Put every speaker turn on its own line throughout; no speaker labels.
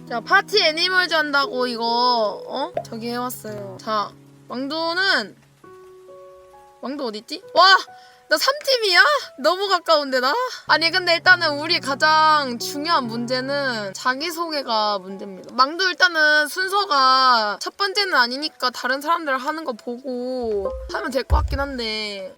자, 파티 애니멀즈 한다고 이거 저기 해왔어요. 자, 왕도는 왕도 어딨지? 와! 나 3팀이야? 너무 가까운데 나? 아니 근데 일단은 우리 가장 중요한 문제는 자기소개가 문제입니다. 망도 일단은 순서가 첫 번째는 아니니까 다른 사람들 하는 거 보고 하면 될 것 같긴 한데.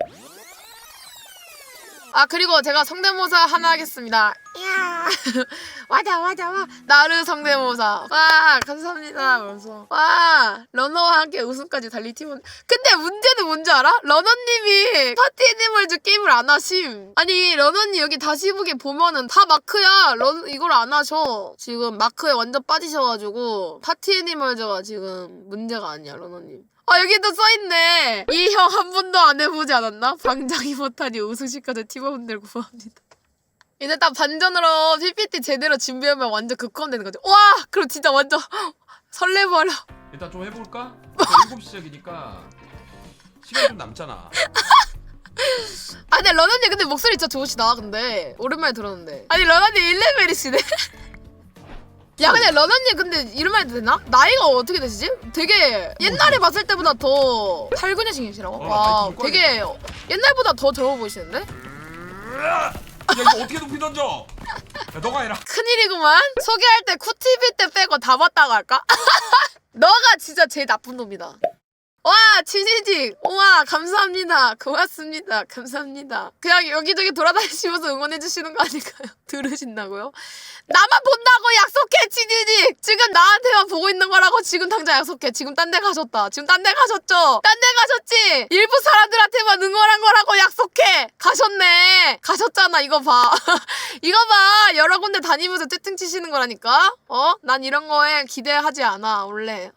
아, 그리고 제가 성대모사 하나 하겠습니다. 이야 와자 와 나르 성대모사. 와 감사합니다. 그래서 와 러너와 함께 우승까지 달릴 팀은. 근데 문제는 뭔지 알아? 러너님이 파티 애니멀즈 게임을 안 하심. 아니 러너님 여기 다시 보기 보면은 다 마크야. 이걸 안 하셔. 지금 마크에 완전 빠지셔가지고 파티 애니멀즈가 지금 문제가 아니야 러너님. 아 여기도 써있네. 이 형 한 번도 안 해보지 않았나? 방장이 못하니 우승시까지 팀원들 구합니다. 이제 딱 반전으로 PPT 제대로 준비하면 완전 극혐되는 거죠. 와! 그럼 진짜 완전 설레버려.
일단 좀 해볼까? 7시 시작이니까 시간 좀 남잖아.
아 근데 러너님 근데 목소리 진짜 좋으시다. 근데 오랜만에 들었는데. 아니 러너님 1레벨이시네? 야 근데 러너님 근데 이런 말 해도 되나? 나이가 어떻게 되시지? 되게 옛날에 봤을 때보다 더 팔근여신이시라고? 와 되게 옛날보다 더 젊어 보이시는데?
야 이거 어떻게 높이 던져? 야 너가 해라.
큰일이구만. 소개할 때 쿠티비 때 빼고 다 봤다고 할까? 너가 진짜 제일 나쁜 놈이다. 와 치즈직 우와 감사합니다. 고맙습니다. 감사합니다. 그냥 여기저기 돌아다니시면서 응원해주시는 거 아닐까요? 들으신다고요? 나만 본다고 약속해 치즈직. 지금 나한테만 보고 있는 거라고. 지금 당장 약속해. 지금 딴 데 가셨다. 지금 딴 데 가셨죠? 딴 데 가셨지? 일부 사람들한테만 응원한 거라고 약속해. 가셨네. 가셨잖아. 이거 봐. 이거 봐. 여러 군데 다니면서 채팅 치시는 거라니까. 난 이런 거에 기대하지 않아 원래.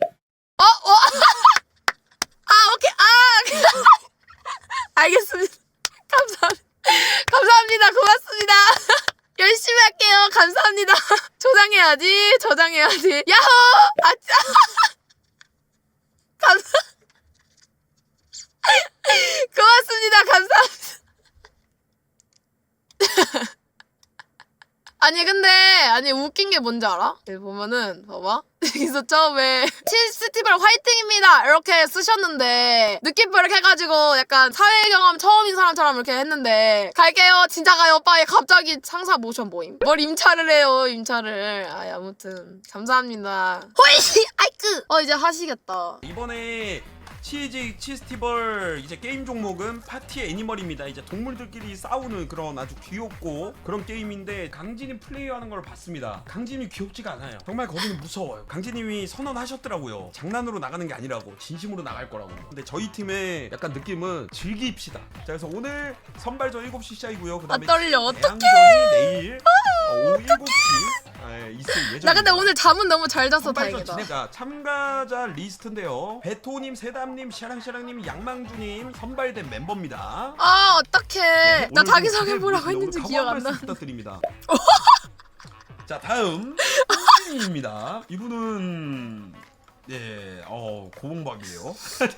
아 오케이 알겠습니다. 감사합니다. 고맙습니다. 열심히 할게요. 감사합니다. 저장해야지. 야호! 아짜! 고맙습니다. 감사합니다. 아니 웃긴 게 뭔지 알아? 여기 보면은 봐봐. 여기서 처음에 치스티벌 화이팅입니다 이렇게 쓰셨는데 느낌표 이렇게 해가지고 약간 사회 경험 처음인 사람처럼 이렇게 했는데 갈게요 진짜 가요 빠에 갑자기 상사 모션 모임. 뭘 임차를 해요 임차를. 아무튼 감사합니다. 호이씨 아이크. 이제 하시겠다.
이번에 치스티벌 이제 게임 종목은 파티 애니멀입니다. 이제 동물들끼리 싸우는 그런 아주 귀엽고 그런 게임인데 강진이 플레이하는 걸 봤습니다. 강진이 귀엽지가 않아요. 정말 거기는 무서워요. 강진님이 선언하셨더라고요. 장난으로 나가는 게 아니라고 진심으로 나갈 거라고. 근데 저희 팀의 약간 느낌은 즐깁시다. 자 그래서 오늘 선발전 7시 시작이고요. 그다음에
떨려. 어떡해.
내일 오후 7시 있을 예정입니다.
나 근데 오늘 잠은 너무 잘 자서
선발전
다행이다.
진행자 참가자 리스트인데요. 베토님, 세담님, 샤랑샤랑님, 양망주님 선발된 멤버입니다.
어떡해. 나
오늘
자기소개
기대
뭐라고
오늘
했는지
각오
기억
한
안
말씀
나.
부탁드립니다. 자 다음 홍진입니다. 이분은 고봉박이에요.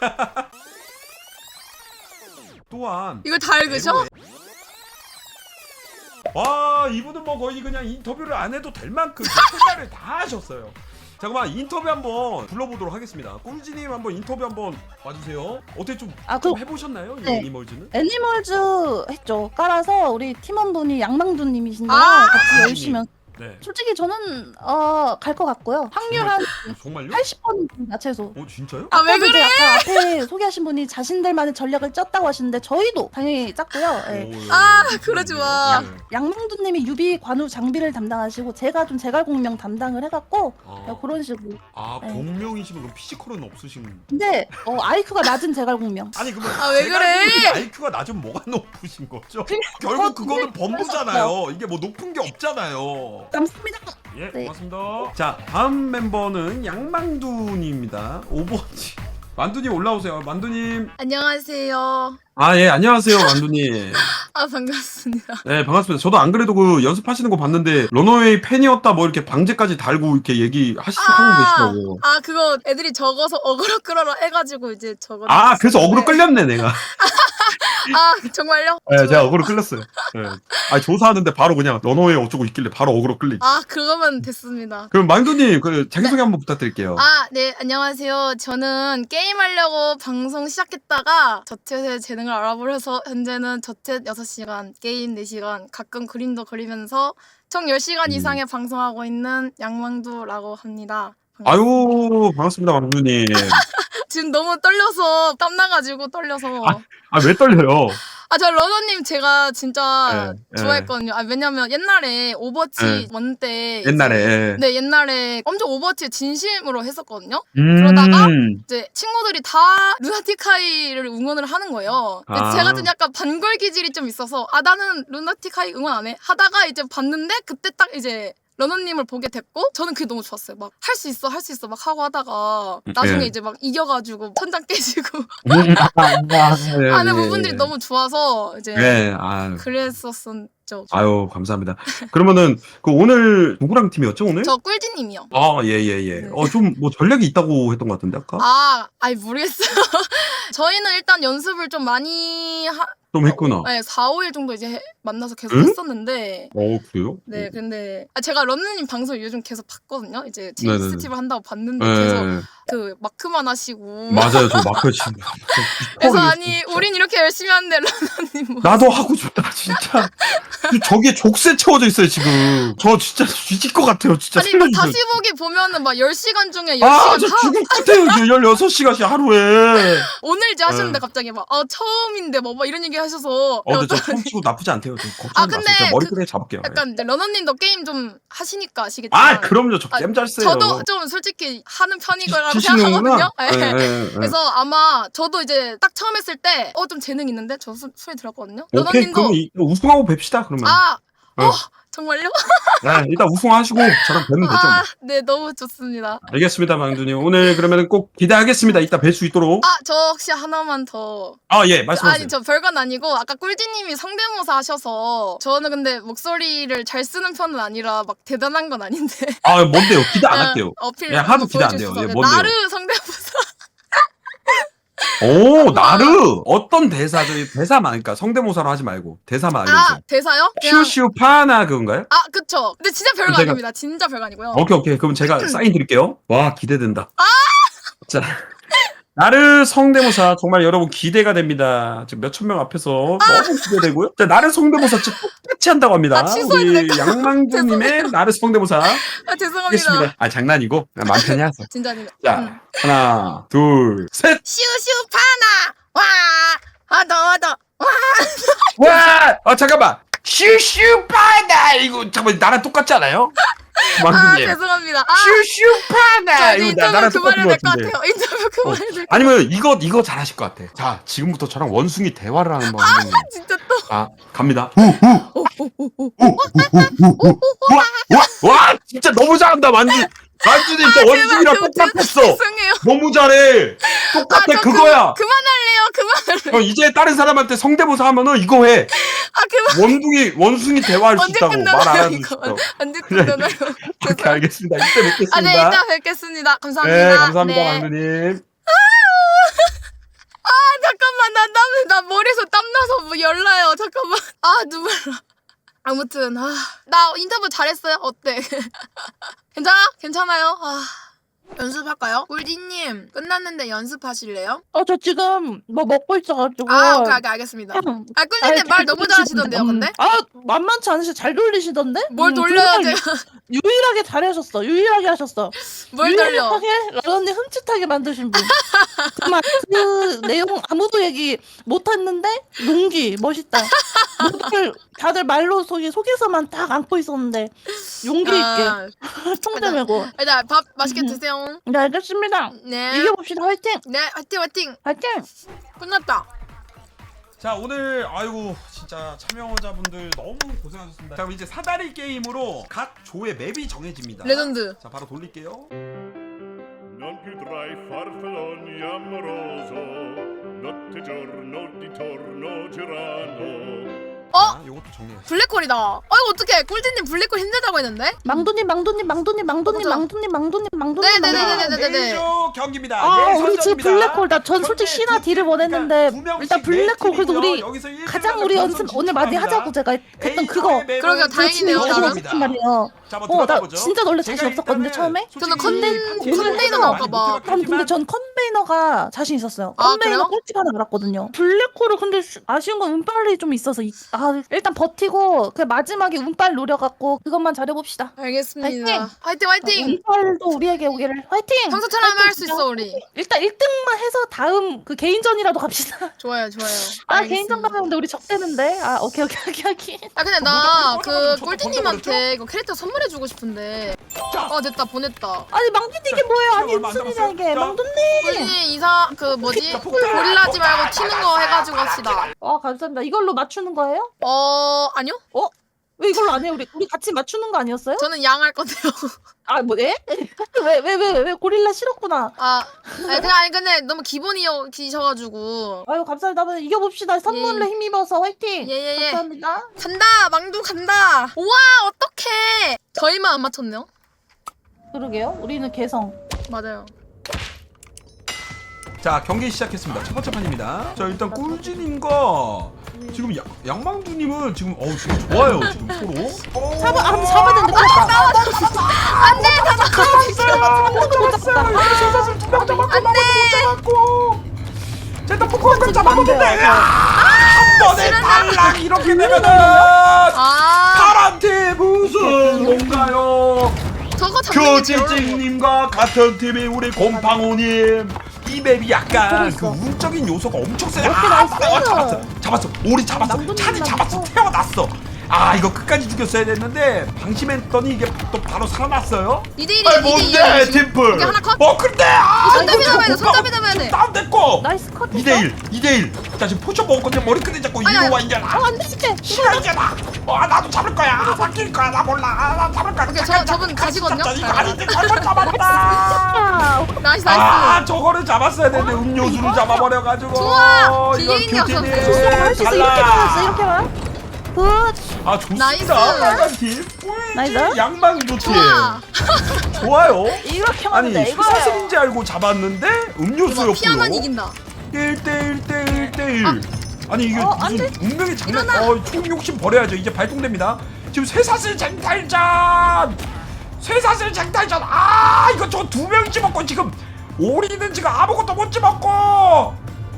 또한
이걸 다 읽으셔?
와 이분은 뭐 거의 그냥 인터뷰를 안 해도 될 만큼 말을 다 하셨어요. 잠깐만 인터뷰 한번 불러보도록 하겠습니다. 꿀지님 한번 인터뷰 한번 와주세요. 어떻게 좀 해보셨나요? 이
네.
애니멀즈는?
애니멀즈 했죠. 깔아서 우리 팀원분이 양망두님이신데요.
아!
같이 열심히
네.
솔직히 저는 갈 것 같고요. 확률 한
정말요?
80%입니다 최소.
진짜요?
아 왜 그래?
아까 앞에 소개하신 분이 자신들만의 전략을 짰다고 하시는데 저희도 당연히 짰고요. 예.
그러지 마.
네.
양망두님이 유비 관우 장비를 담당하시고 제가 좀 제갈공명 담당을 해갖고 그런 식으로. 네.
공명이시면 그럼 피지컬은 없으신.
근데 IQ가 낮은 제갈공명.
아니 그러면
왜 그래?
IQ가 낮은 뭐가 높으신 거죠? 결국 그거는 범부잖아요. 이게 뭐 높은 게 없잖아요.
감사합니다.
예,
네.
고맙습니다. 자, 다음 멤버는 양망두님입니다. 오버워치. 만두님 올라오세요. 만두님.
안녕하세요.
예, 안녕하세요, 만두님.
반갑습니다.
네, 반갑습니다. 저도 안 그래도 그 연습하시는 거 봤는데 러너웨이 팬이었다 뭐 이렇게 방제까지 달고 이렇게 하고 계시더라고.
그거 애들이 적어서 어그로 끌어라 해가지고 이제 적어.
그래서 어그로 끌렸네, 내가.
아 정말요?
네, 제가 어그로 끌렸어요. 네. 아니 조사하는데 바로 그냥 러너웨이 어쩌고 있길래 바로 어그로 끌리.
아 그거면 됐습니다.
그럼 망두님 그 자기소개 한번 부탁드릴게요.
아, 네, 안녕하세요. 저는 게임하려고 방송 시작했다가 저챗의 재능을 알아버려서 현재는 저챗 6시간, 게임 4시간, 가끔 그림도 그리면서 총 10시간 이상의 방송하고 있는 양망두라고 합니다.
아유 반갑습니다 망두님.
지금 너무 떨려서 땀나가지고 떨려서
아 왜 떨려요?
아, 저 러너님 제가 진짜
네,
좋아했거든요. 아, 왜냐면 옛날에 오버워치
네.
1 때
옛날에.
네, 옛날에 엄청 오버워치 진심으로 했었거든요.
음.
그러다가 이제 친구들이 다 루나티카이를 응원을 하는 거예요. 근데
아.
제가 좀 약간 반걸 기질이 좀 있어서 아 나는 루나티카이 응원 안 해. 하다가 이제 봤는데 그때 딱 이제 러너님을 보게 됐고 저는 그게 너무 좋았어요. 막 할 수 있어 할 수 있어 막 하고 하다가 나중에
네.
이제 막 이겨가지고 천장 깨지고
네,
하는 부분들이 너무 좋아서 이제
네, 아,
그랬었었죠.
아유 감사합니다. 그러면은 그 오늘 누구랑 팀이었죠 오늘?
저 꿀디님이요.
아, 예, 예, 예.
네.
좀 뭐 전략이 있다고 했던 것 같은데 아까?
아이 모르겠어요. 저희는 일단 연습을 좀 많이
좀 했구나.
네, 4, 5일 정도 이제 만나서 계속
응?
했었는데
그래요?
네, 근데 제가 런느님 방송 요즘 계속 봤거든요. 이제
네네네.
스티브 한다고 봤는데
네.
계속 그 마크만 하시고
맞아요, 저 마크 지금.
그래서 아니 우린 이렇게 열심히 하는데 런느님 뭐
나도 하고 싶다, 진짜. 저기에 족쇄 채워져 있어요, 지금. 저 진짜 뒤질 것 같아요, 진짜.
아니 막
살려주세요.
다시 보기 보면은 막 10시간 중에 10시간
아, 저 죽을 것 같아요, 16시간씩 하루에.
오늘 이제 하시는데
네.
갑자기 막 처음인데 뭐 이런 얘기 하셔서
근데 저 처음 치고 나쁘지 않대요. 좀 걱정하지
근데
마세요. 제가 머리끄댕이 잡을게요. 예.
약간 이제 러너님도 게임 좀 하시니까 아시겠지만
그럼요. 저 게임 잘 써요.
저도 좀 솔직히 하는 편이라고
치시는구나.
생각하거든요. 네.
예.
그래서 아마 저도 이제 딱 처음 했을 때 좀 재능 있는데 저 소리 들었거든요.
오케이,
러너님도
그럼 우승하고 뵙시다, 그러면. 네.
정말요?
네, 일단 우승하시고 저랑 뵈면 되죠. 뭐.
네 너무 좋습니다.
알겠습니다, 망두님. 오늘 그러면 꼭 기대하겠습니다. 이따 뵐 수 있도록.
저 혹시 하나만 더
예, 말씀하세요.
아니 저 별건 아니고 아까 꿀디님이 성대모사 하셔서 저는 근데 목소리를 잘 쓰는 편은 아니라 막 대단한 건 아닌데
뭔데요? 기대 안 할게요.
어필
예, 하도
한번
기대 안 돼요.
보여주셔서
예, 뭔데요?
나르 성대모사
나르! 어떤 대사죠? 대사만, 그러니까 성대모사로 하지 말고 대사만 알려주세요.
대사요? 그냥
슈슈파나 그건가요?
그쵸. 근데 진짜 별거
그럼 제가-
아닙니다. 진짜 별거 아니고요.
오케이. 그럼 제가 사인 드릴게요. 와, 기대된다. 자, 나르 성대모사 정말 여러분 기대가 됩니다. 지금 몇천 명 앞에서 너무 기대되고요. 자, 나르 성대모사 진짜 똑같이 한다고 합니다.
취소해도
우리
될까요?
양망주님의 나르 성대모사
죄송합니다.
하겠습니다. 장난이고 마음 편히 하세요.
진짜 아닙니다.
자, 하나, 둘, 셋.
슈슈파나 와 하더
와, 잠깐만. 슈슈파나 이거 잠깐만 나랑 똑같지 않아요? 망주님.
죄송합니다.
슈슈파나
저
이거
인터뷰
나랑
그만해야
똑같은
될
것
것
같은데.
같아요. 인터뷰 그만해야 될 것
아니면 이거 잘하실 것 같아. 자, 지금부터 저랑 원숭이 대화를 하는 거 한번.
진짜 또
갑니다. 와, 진짜 너무 잘한다, 만주님 진짜 원숭이랑 똑같았어.
죄송해요.
너무 잘해. 똑같아, 그거야.
그만할래요.
이제 다른 사람한테 성대모사 하면은 이거 해.
그만.
원숭이 대화할 수
언제
있다고 말 안
끝나나요
하는
이거?
거.
언제 끝나나요?
그렇게 알겠습니다. 이때 뵙겠습니다.
네, 이따 뵙겠습니다. 감사합니다.
네, 감사합니다,
네.
망두님.
잠깐만 나 머리에서 땀나서 뭐 열나요. 잠깐만. 눈물 나. 아무튼 나 인터뷰 잘했어요. 어때? 괜찮아요? 연습할까요? 꿀디님 끝났는데 연습하실래요?
저 지금 뭐 먹고 있어가지고.
오케이 알겠습니다. 꿀디님 말 너무 잘하시던데요, 근데?
만만치 않으시 잘 돌리시던데?
뭘 돌려야
정말
돼요?
유일하게 잘하셨어. 유일하게 하셨어.
뭘 돌려?
유일하게 라던님 흠칫하게 만드신 분. 정말 그 내용 아무도 얘기 못했는데 용기 멋있다. 다들 말로 속에서만 딱 안고 있었는데 용기 있게 총대 메고.
일단 밥 맛있게 드세요.
네 알겠습니다.
네.
이겨봅시다. 화이팅.
네, 화이팅.
화이팅.
끝났다.
자, 오늘 진짜 참여자분들 너무 고생하셨습니다. 자, 그럼 이제 사다리 게임으로 각 조의 맵이 정해집니다.
레전드.
자, 바로 돌릴게요.
Non più tra i farfalloni amoroso, notte e giorno di torno girano,
요것도 정리해.
블랙홀이다. 이거 어떡해. 꿀디님 블랙홀 힘들다고 했는데?
망두님
네네네네네네.
A조 경기입니다.
아
예,
우리 지금
선정입니다.
블랙홀 나 전 솔직히 신화 딜을 원했는데 일단 블랙홀 그래도 우리 가장 우리 연습 오늘 많이 하자고 제가 했던 그거
그러게요, 다행이네요, 나름.
했단 말이에요.
자, 한번
나
들어가보죠.
진짜 원래 자신
제가
없었거든요
일단은
처음에.
저는
솔직히
컨테이너 나올까봐.
근데 전 컨베이너가 자신 있었어요.
아,
컨베이너
그래요?
꿀팁 하나 알았거든요. 블랙홀을 근데 아쉬운 건 운빨이 좀 있어서 일단 버티고 그 마지막에 운빨 노려갖고 그것만 잘해봅시다.
알겠습니다. 화이팅.
운빨도 우리에게 오기를 화이팅!
평소처럼 하면 할 수 있어 우리.
일단 1등만 해서 다음 그 개인전이라도 갑시다.
좋아요.
아
알겠습니다.
개인전 가면 우리 적대는데. 아 오케이.
근데 나 그
저도
꿀디님한테 이거 캐릭터 선물해주고 싶은데. 됐다 보냈다.
아니 망두님 이게 뭐예요? 아니
얼마 안
무슨 일이야 이게
남았어요?
망두님.
꿀디님 그 뭐지? 고릴라지 말고 튀는 거 해가지고 합시다.
감사합니다. 이걸로 맞추는 거예요?
아니요?
왜 이걸로 안 해요? 우리 같이 맞추는 거 아니었어요?
저는 양 할 건데요.
아 뭐 예? 왜 고릴라 싫었구나.
근데 너무 기본이셔가지고.
아유 감사합니다. 한번 이겨봅시다. 선물로
예.
힘입어서 화이팅.
예.
감사합니다.
간다 망두 간다. 우와 어떡해. 저희만 안 맞췄네요.
그러게요. 우리는 개성.
맞아요.
자, 경기 시작했습니다. 첫 번째 판입니다. 자, 일단 꿀진님과 지금 양망두님은 지금 지금 좋아요. 지금 서로.
잡아야 되는데 그렇다.
안돼
자, 일단 포크를 잡아먹는데
안 돼요.
한 번에 달랑 이렇게 되면은 파란 팀 우승 뭔가요?
저거 잡는 게
교지찡님과 같은 팀이 우리 곰팡오님. 이 맵이 약간
있어.
그 운적인 요소가 엄청 세요.
오케이, 나이스.
잡았어. 오리 잡았어.
남동님
찬이 잡았어.
남동.
태어났어. 이거 끝까지 죽였어야 됐는데 방심했더니 이게 또 바로 살아났어요.
2대1이야
뭔데
2대1.
팀플.
이게 하나 컷?
근데
손잡이 잡아야 돼, 손잡이 잡아야 돼.
다운됐고.
나이스 컷.
2대1. 자, 지금 포션 먹었거든요. 머리끈에 잡고
아니야.
이리 와 이제.
안 되지.
시간이잖아. 나도 잡을 거야. 바뀔 거야. 나 몰라. 나 잡을 거야.
오케이, 저분 가시거든요.
이거 아닌데 잘못 잡았다.
나이스.
저거를 잡았어야 되는데 음료수를 잡아버려가지고.
좋아!
이거
기계인 녀석.
교체네.
할수 있어. 이렇게 나왔어. 이렇게 나. 굿.
좋습니다.
나이스.
빨간 팀.
나이스.
양방도 팀.
좋아.
좋아요.
이렇게
아니
하면 돼. 이거예요.
수사슬인지 알고 잡았는데 음료수였고요.
피하면 이긴다.
1대1. 아니 이게
안
무슨 운명의 장난. 총 욕심 버려야죠. 이제 발동됩니다. 지금 쇠사슬 쟁탈전. 이거 저 두 명 집었고 지금 오리는 지금 아무것도 못 집었고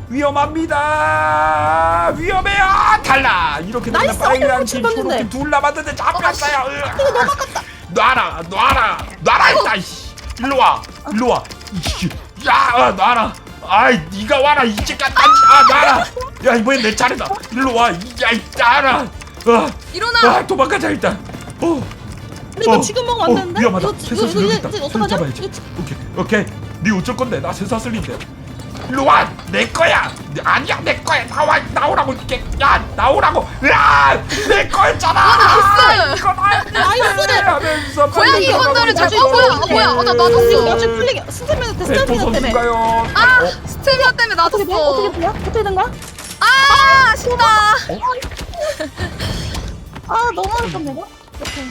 위험해요. 달라. 이렇게 되면
나이스.
빨간 팀,
쳤는데.
초록 팀 둘 남았는데 잡혔어요. 놔라 일단. 일로 와. 야, 놔라. 네가 와라. 이제까지 놔라. 야, 이번엔 내 차례다. 일로 와. 놔라.
일어나.
도망가자 일단.
근데 이거 지금 먹으면 안 되는데?
위험하다.
이거
쇠사슬 여기 있다.
이거
손
어떡하냐?
잡아야지. 오케이. 네 어쩔 건데? 나 쇠사슬인데. 일로 와. 내 거야. 아니야, 내 거야. 나오라고 이렇게. 야, 나오라고. 내 거였잖아.
나이스.
이거 나이스. 하면서
고양이 건들을 잘. 뭐야. 나
이거
놔뒀어.
나중에 풀리게. 스태미나
배포
때문에.
선수인가요?
스테미아 때문에
어떻게 돼?
놔뒀어.
어떻게 돼요? 어떻게 된 거야?
아쉽다.
너무 아깝네 이거. 오케이.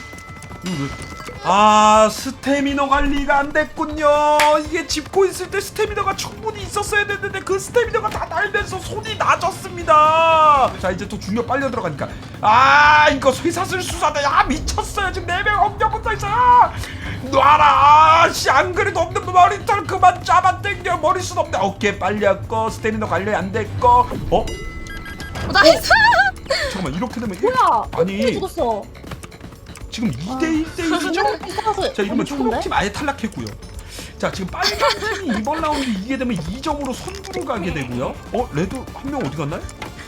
스태미너 관리가 안 됐군요. 이게 짚고 있을 때 스태미너가 충분히 있었어야 됐는데 그 스태미너가 다 날면서 손이 낮았습니다. 자, 이제 또 중력 빨려 들어가니까 이거 쇠사슬 수사다. 미쳤어요. 지금 4명 엄청 붙어있어요. 놔라. 안 그래도 없는 머리털 그만 잡아당겨. 머리숱 없네. 어깨 빨렸고 스태미너 관리 안 됐고.
나이스.
잠깐만, 이렇게 되면
뭐야?
아니
죽었어.
지금 2대1대1이죠? 자, 이러면 초록팀 아예 탈락했고요. 자, 지금 빨간 팀이 이번 라운드 이기게 되면 2점으로 선두로 가게 되고요. 레드 한 명 어디 갔나요?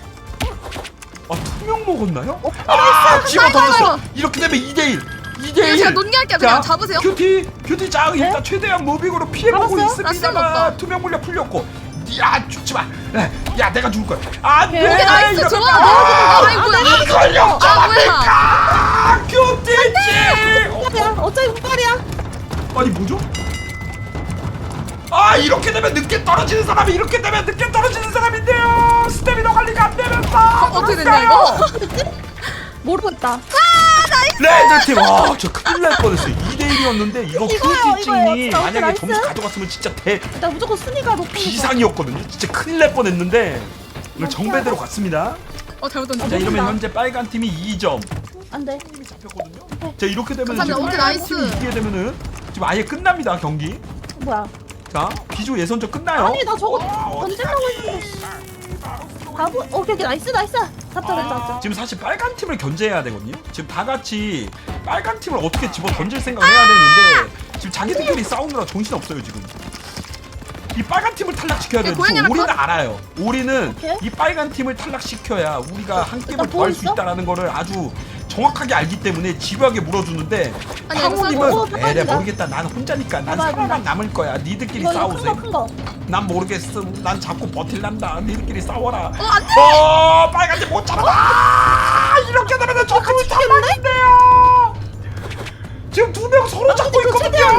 투명 먹었나요? 집어 던졌어. 이렇게 되면 2대1.
제가 논의할게요. 그냥 잡으세요.
큐티 짱 일단 최대한 무빙으로 피해보고
잡았어요?
라스는
있습니다만
없다.
투명 물량 풀렸고. 죽지 마. 야, 내가 죽을 거야. 안 돼.
오케이, 나이스.
이러면
좋아. 뭐야.
이걸 역전합니까? 큐티지.
운빨이야. 어차피 운빨이야.
아니 뭐죠? 아 이렇게 되면 늦게 떨어지는 사람이 이렇게 되면 늦게 떨어지는 사람인데요. 스태미너 관리가 안 되면서
어떻게 됐냐 이거?
모르겠다.
레드팀 저 큰일 날 뻔했어요. 2대1이었는데 이거
이거요,
큐티찡이
진짜.
만약에
나이스.
점수 가져갔으면 진짜
나 무조건 순위가 높은 거.
비상이었거든요. 진짜 큰일 날 뻔했는데 오늘 정배대로 갔습니다.
잘못
자
던졌어.
이러면 현재 빨간 팀이 2점
안 돼.
잡혔거든요. 자 이렇게 되면
감사합니다.
지금
오케이,
빨간
나이스.
팀이 이기게 되면은 지금 아예 끝납니다 경기.
뭐야?
자 비조 예선전 끝나요.
아니 나 저거 던지려고 했는데. 바보. 오케이 나이스. 잡자.
지금 사실 빨간 팀을 견제해야 되거든요. 지금 다 같이 빨간 팀을 어떻게 집어 던질 생각을 해야 되는데 지금 자기들끼리 싸우느라 정신 없어요 지금. 이 빨간 팀을 탈락시켜야 돼요.
고양이랑
우리는
컷?
알아요. 우리는
오케이.
이 빨간 팀을 탈락시켜야 우리가 한 게임을
일단
더 할 수
보고 있어?
있다라는 거를 아주 정확하게 알기 때문에 집요하게 물어주는데
아니, 이거
상호님은
썰고
에래
빡빡이다.
모르겠다. 난 혼자니까. 난
봐봐,
살아만
봐봐.
남을 거야. 니들끼리
이거
싸우세요.
큰 거.
난 모르겠어. 난 자꾸 버틸란다. 니들끼리 싸워라.
안 돼!
빨간 팀 못 잡아. 이렇게 되면 저 팀이 탈락인데요. 지금 두 명 서로 잡고 있거든요.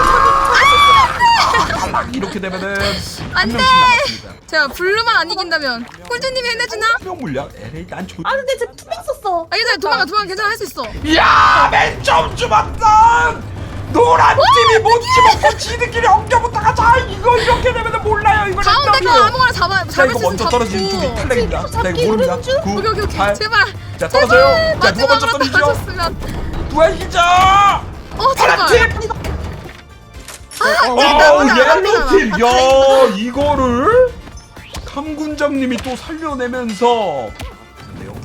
탈락. 이렇게 되면은 한
안 돼!
명씩 남았습니다.
제가 블루만 안 이긴다면 꿀주님이 해내주나?
명 물량. 에레이 난 조.
아 근데 지금 투명 썼어.
아 괜찮아 도망가 괜찮아 할 수 있어.
야, 맨 처음 주었던 노란 팀이 못 집었고 지들끼리 엉겨붙다가 자 이거 이렇게 되면은 몰라요. 이거
가운데 거 아무거나
자
잡을
이거
수 있으면
먼저 떨어지는 쪽이
잡고.
탈락입니다. 자 이거
잡기
모릅니다.
오른 줄?
9,
오케이
8.
제발.
자 떨어져요. 자 누가 먼저
마지막으로
떨어지죠?
떨어졌으면.
누가 이기죠? 파란
제발.
팀.
맞아,
옐로우 팀.
맞아.
야 이거를 감군장님이 또 살려내면서. 그런데요.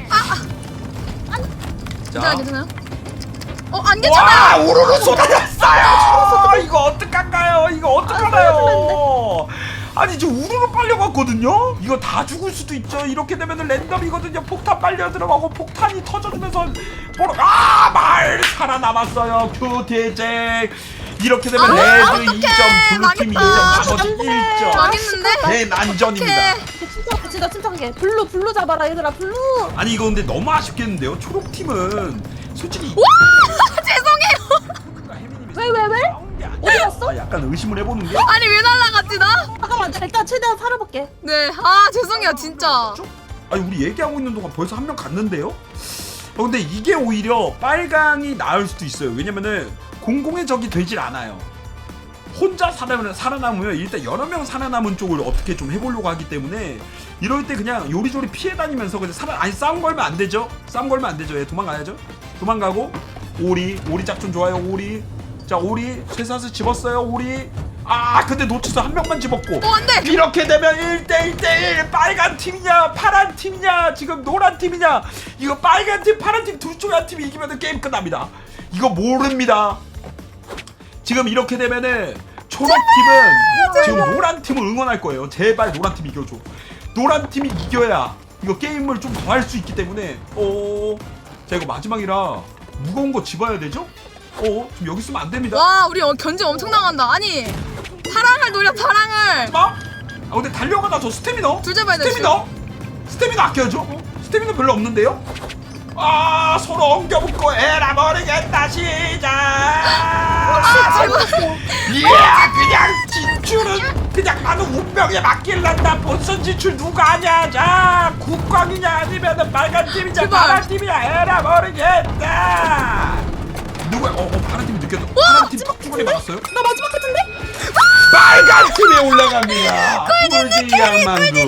괜찮아요? 안
와
괜찮아.
우르르 쏟아졌어요. 이거 어떡할까요? 이거 어떡하나요? 아니 저 우르르 빨려갔거든요. 이거 다 죽을 수도 있죠. 이렇게 되면은 랜덤이거든요. 폭탄 빨려 들어가고 폭탄이 터져주면서 말 살아남았어요. 큐티쟁. 이렇게 되면 레드
어떡해.
2점, 블루팀 2점,
망했다.
나머지 1점.
망했는데?
대난전입니다.
진짜 침착하게. 블루 잡아라 얘들아 블루.
아니 이거 근데 너무 아쉽겠는데요. 초록팀은 솔직히
죄송해요.
왜? 어디 갔어?
약간 의심을 해보는 게
아니 왜 날라갔지 나?
잠깐만 일단 최대한 살아볼게.
네. 죄송해요 진짜.
아니 우리 얘기하고 있는 동안 벌써 한 명 갔는데요? 근데 이게 오히려 빨강이 나을 수도 있어요. 왜냐면은 공공의 적이 되질 않아요. 혼자 살아남으면 일단 여러 명 살아남은 쪽을 어떻게 좀 해보려고 하기 때문에 이럴 때 그냥 요리조리 피해 다니면서 그냥 싸움 걸면 안 되죠? 싸움 걸면 안 되죠. 예, 도망가야죠. 도망가고 오리 작전 좋아요. 오리 자 오리 쇠사슬 집었어요. 오리 근데 놓쳐서 한 명만 집었고
안돼.
이렇게 되면 1대1 빨간 팀이냐 파란 팀이냐 지금 노란 팀이냐 이거 빨간 팀 파란 팀 둘 중에 한 팀이 이기면 게임 끝납니다. 이거 모릅니다. 지금 이렇게 되면은 초록팀은 지금 노란 팀을 응원할 거예요. 제발 노란 팀 이겨줘. 노란 팀이 이겨야 이거 게임을 좀 더 할 수 있기 때문에 자 이거 마지막이라 무거운 거 집어야 되죠? 지금 여기 있으면 안 됩니다.
와 우리 견제 엄청 당한다. 아니 파랑을 노려 파랑을.
근데 달려가다 저 스태미너
둘 잡아야 돼,
스태미너 아껴야죠. 스태미너 별로 없는데요? 서로 엉겨붙고 에라 모르겠다 시작.
제발.
그냥 진출은 그냥 나는 운명에 맡길란다. 본선 진출 누가 하냐. 자 국광이냐 아니면은 빨간 팀이냐
제발.
파란 팀이냐 에라 모르겠다. 누구야? 파란 팀이 느꼈어. 파란 팀 턱주머니 맞았어요?
나 마지막 같은데?
빨간 팀에 올라갑니다. 꿀지 양만두.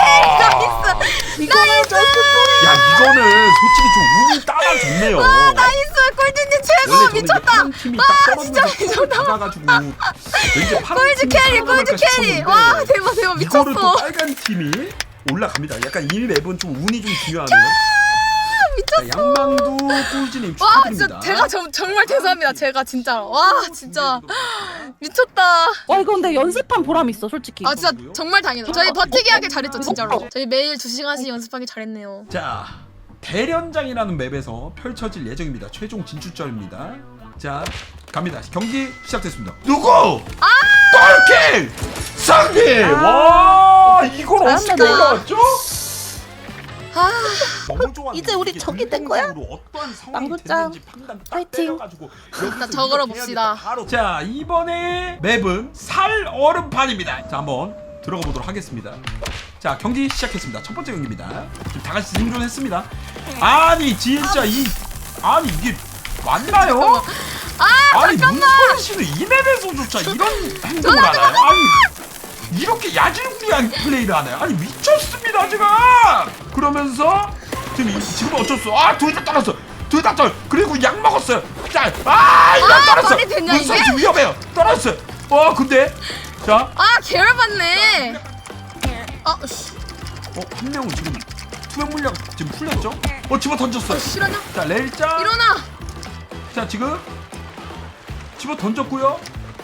나이스.
야 이거는 솔직히 좀 운이 따라줬네요.
나이스 꿀주님 최고.
원래 저는
미쳤다.
파란 팀이 딱
진짜
떨어지면서
미쳤다.
잡아가지고 왠지 파란
꿀주
팀이
캐리
살아남을까
꿀주 캐리.
싶었는데
와 대박
이거를 또
미쳤어.
빨간 팀이 올라갑니다. 약간 이 맵은 좀 운이 좀 중요하네요. 자, 양망두 꿀지님
와
축하드립니다.
진짜 제가 정말 죄송합니다. 제가 진짜 와 진짜 미쳤다.
와 이거 근데 연습한 보람 있어 솔직히.
진짜 정말 다행이다. 저희 버티기 하길 잘했죠 진짜로. 저희 매일 2시간씩 연습하기 잘했네요.
자 대련장이라는 맵에서 펼쳐질 예정입니다. 최종 진출전입니다. 자 갑니다. 경기 시작됐습니다. 누구? 똘킹! 승리! 와 이걸 어떻게
잘한다.
올라왔죠?
아,
너무 좋아.
이제 우리 적이 된 거야?
어떠한 상황이
망고짱,
됐는지 판단 딱
파이팅.
때려가지고 여기서
저걸어
이렇게
봅시다.
해야겠다, 바로. 자, 이번에 맵은 살 얼음판입니다. 자, 한번 들어가 보도록 하겠습니다. 자, 경기 시작했습니다. 첫 번째 경기입니다. 지금 다 같이 생존했습니다. 아니 진짜 아니 이게 맞나요? 아니 문서희 씨는 이 맵에서조차 이런 행동을 하나요? 아니 이렇게 야질구리한 플레이를 하나요? 아니 미쳤습니다 지금. 그러면서 지금 어쩔 수? 둘 다 떨었어. 둘 다 떨. 그리고 약 먹었어요. 자, 이거 떨었어.
말이 되냐,
문서희
이게?
씨 위험해요. 떨었어요. 근데 자,
아 계열받네. 씨.
한 명은 지금 투명 물량 지금 풀렸죠? 집어 던졌어요.
실화냐?
자, 레일짱.
일어나.
자, 지금 집어 던졌고요.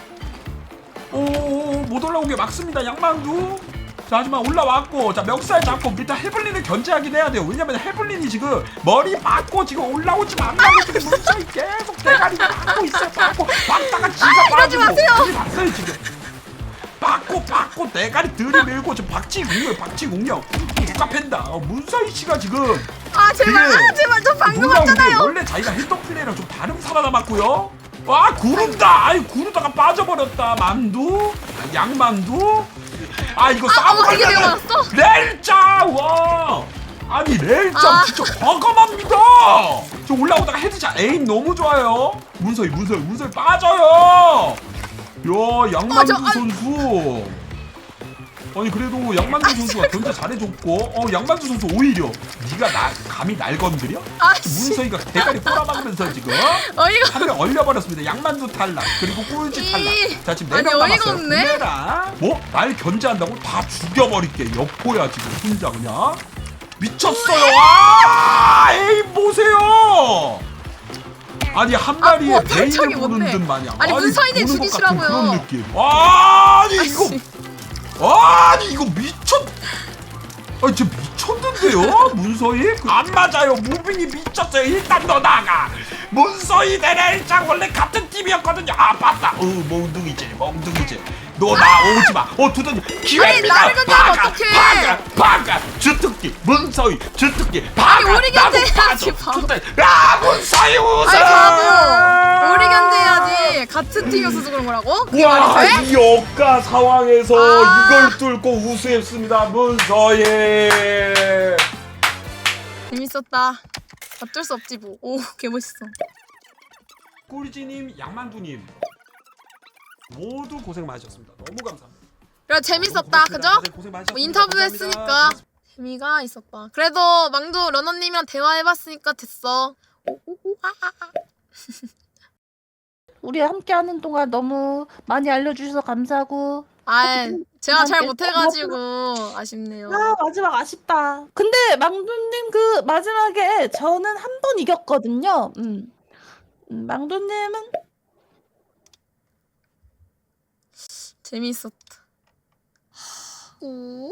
못 올라온 게 맞습니다. 양만두. 자, 하지만 올라왔고, 자, 멱살 잡고 일단 헤블린을 견제하긴 해야 돼요. 왜냐면 헤블린이 지금 머리 맞고 지금 올라오지 않나고 지금 문서이 계속 대가리 맞고 있어요. 막다가 지가
이러지 마세요.
봤어요 지금. 받고 대가리 들이밀고 지금 박치공룡 누가 팬다. 문서희 씨가 지금
제발
되게
제발 저 방금
놀라운 게
왔잖아요.
원래 자기가 했던 플레이랑 좀 다른 살아남았고요. 구른다. 구르다가 빠져버렸다. 만두, 양만두. 이거 싸움
이게 내가
걸려면
맞았어?
렐짱. 와. 아니 렐짱 진짜 과감합니다. 저 올라오다가 헤드샷 에임 너무 좋아요. 문서희 빠져요. 야, 양만두 선수. 아니 그래도 양만두 선수가 견제 잘해줬고, 양만두 선수 오히려 네가 감히 날 건드려? 문서희가 대가리 꼬라박으면서 지금
어이가.
한 명 얼려버렸습니다. 양만두 탈락, 그리고 꼴찌 탈락. 자, 지금 4명
아니, 어이가
남았어요.
없네.
구매라. 날 견제한다고 다 죽여버릴게. 여포야 지금 혼자 그냥 미쳤어요. 에임 보세요. 아니 한 마리에
탄창이
베인을 보는
뭔데?
듯 마냥.
아니, 문서희님
보는 것
죽이시라고요.
같은 그런 느낌. 아니 이거 미쳤. 진짜 미쳤는데요, 문서희? 안 맞아요. 무빙이 미쳤어요. 일단 너 나가. 문서희 내일장 원래 같은 팀이었거든요. 맞다. 멍둥이지. 너 나오지 마. 두더니 기회입니다.
나를 건드리면 어떡해.
박아. 주특기 문서희 주특기.
우리 견제해야지, 바보.
문서희 우승.
바보. 우리 견제해야지. 같은 팀이어서 그런 거라고? 그게 말이 돼?
이 역가 상황에서 이걸 뚫고 우승했습니다. 문서희.
재밌었다. 어쩔 수 없지 뭐. 오 개멋있어.
꿀지님, 양만두님 모두 고생 많으셨습니다. 너무 감사합니다.
그래 재밌었다. 그죠?
고생 많으셨습니다.
인터뷰
감사합니다.
했으니까 재미가 있었다. 그래도 망두 러너님이랑 대화해봤으니까 됐어.
우리 함께하는 동안 너무 많이 알려주셔서 감사하고.
제가 잘 못해가지고 아쉽네요.
마지막 아쉽다. 근데 망두님 그 마지막에 저는 한 번 이겼거든요. 망두님은
재밌었다.